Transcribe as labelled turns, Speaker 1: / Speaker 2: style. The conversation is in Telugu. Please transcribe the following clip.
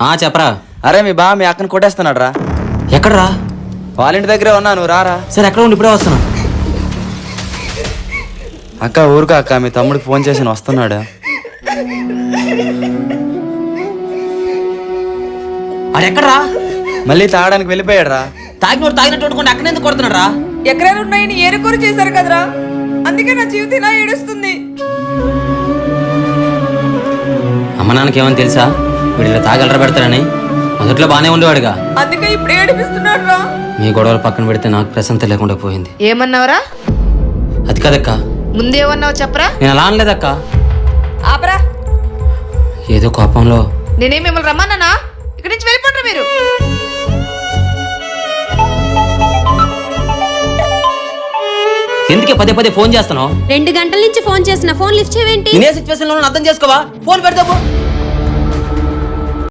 Speaker 1: చెప్పరా.
Speaker 2: అరే మీ బా మీ అక్కని కొట్టేస్తున్నాడు రా.
Speaker 1: ఎక్కడరా?
Speaker 2: వాళ్ళ ఇంటి దగ్గరే ఉన్నా, నువ్వు రారా.
Speaker 1: సరే ఎక్కడ ఉండి ఇప్పుడే వస్తున్నా.
Speaker 2: అక్క ఊరుకా అక్క, మీ తమ్ముడికి ఫోన్ చేసి వస్తున్నాడు.
Speaker 1: ఆడెక్కడరా?
Speaker 2: మళ్ళీ తాగడానికి వెళ్ళిపోయాడు రా.
Speaker 1: తాగినోడు తాగినట్టు వండుకుంటే అక్కడ ఎందుకు కొడుతున్నాడు రా?
Speaker 3: ఎకరాలు ఉన్నాయని ఏరుకోరు చేశారు కదరా, అందుకే నా జీవితం ఇలా ఏడుస్తుంది.
Speaker 1: అమ్మ నాన్నకి ఏమని తెలుసా వీడు ఇలా తాగలరా పెడతారని? మొదట్లో బానే ఉండేవాడుగా,
Speaker 3: అందుకే ఇప్పుడు ఏడిపిస్తున్నాడు రా.
Speaker 1: మీ గొడవలు పక్కన పెడితే నాకు ప్రశాంతత లేకుండా పోయింది.
Speaker 4: ఏమన్నావురా?
Speaker 1: అది కదక్క,
Speaker 4: ముందేమన్నావు చెప్పరా?
Speaker 1: నేను అలా అనలేదక్క.
Speaker 3: ఆపరా.
Speaker 1: ఏదో కోపంలో.
Speaker 4: నేనేం మిమ్మల్ని రమ్మన్నానా? ఇక్కడి నుంచి వెళ్ళిపోండి మీరు.
Speaker 1: ఎందుకే పదే పదే ఫోన్ చేస్తున్నావు?
Speaker 5: 2 గంటల నుంచి ఫోన్ చేసిన, ఫోన్ లిఫ్ట్ చేయవేంటి?
Speaker 1: ఇదే సిచ్యువేషన్ లో అర్థం చేసుకోవా? ఫోన్ పెడతావు.